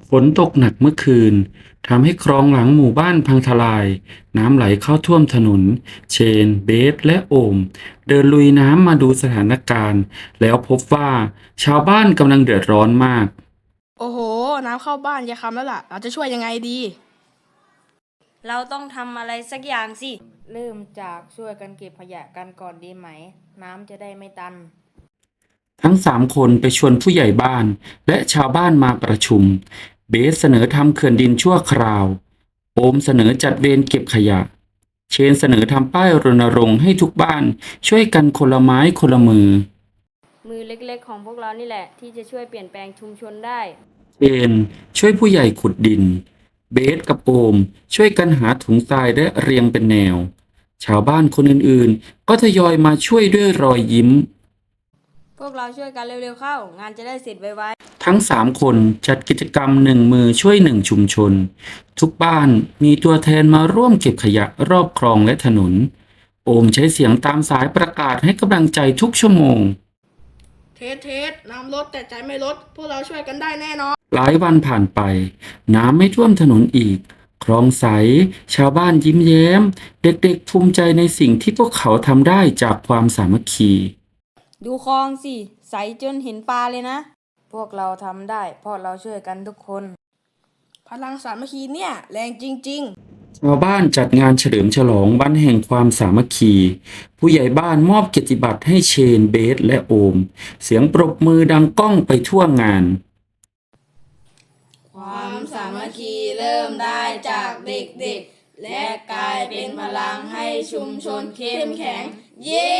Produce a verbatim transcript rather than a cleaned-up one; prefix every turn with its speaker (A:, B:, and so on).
A: ฝนตกหนักเมื่อคืนทำให้คลองหลังหมู่บ้านพังทลายน้ำไหลเข้าท่วมถนนเชนเบสและโอมเดินลุยน้ำมาดูสถานการณ์แล้วพบว่าชาวบ้านกำลังเดือดร้อนมาก
B: โอ้โห น้ำเข้าบ้านยายคำแล้วล่ะ เราจะช่วยยังไงดี
C: เราต้องทำอะไรสักอย่างสิ
D: เริ่มจากช่วยกันเก็บขยะกันก่อนดีไหมน้ำจะได้ไม่ตัน
A: ทั้งสามคนไปชวนผู้ใหญ่บ้านและชาวบ้านมาประชุมเบสเสนอทำเขื่อนดินชั่วคราวโอมเสนอจัดเวรเก็บขยะเชนเสนอทำป้ายรณรงค์ให้ทุกบ้านช่วยกันคนละไม้คนละมือ
D: มือเล็กๆของพวกเรานี่แหละที่จะช่วยเปลี่ยนแปลงชุมชนได้
A: เชนช่วยผู้ใหญ่ขุดดินเบสกับโอมช่วยกันหาถุงทรายและเรียงเป็นแนวชาวบ้านคนอื่นๆก็ทยอยมาช่วยด้วยรอยยิ้ม
D: พวกเราช่วยกันเร็วๆเข้างานจะได้เสร็จไว
A: ทั้งสามคนจัดกิจกรรมหนึ่งมือช่วยหนึ่งชุมชนทุกบ้านมีตัวแทนมาร่วมเก็บขยะรอบคลองและถนนโอมใช้เสียงตามสายประกาศให้กำลังใจทุกชั่วโมง
B: เทสเทสน้ำลดแต่ใจไม่ลด พวกเราช่วยกันได้แน่นอน
A: หลายวันผ่านไปน้ำไม่ท่วมถนนอีกคลองใสชาวบ้านยิ้มแย้มเด็กๆภูมิใจในสิ่งที่พวกเขาทำได้จากความสามัคคี
D: ๆดูคลองสิใสจนเห็นปลาเลยนะพวกเราทำได้เพราะเราช่วยกันทุกคน
B: พลังสามัคคีเนี่ยแรงจริง
A: ชาวบ้านจัดงานเฉลิมฉลองวันแห่งความสามัคคีผู้ใหญ่บ้านมอบเกียรติบัตรให้เชนเบสและโอมเสียงปรบมือดังก้องไปทั่วงาน
B: ความสามัคคีเริ่มได้จากเด็กๆและกลายเป็นพลังให้ชุมชนเข้มแข็งเย้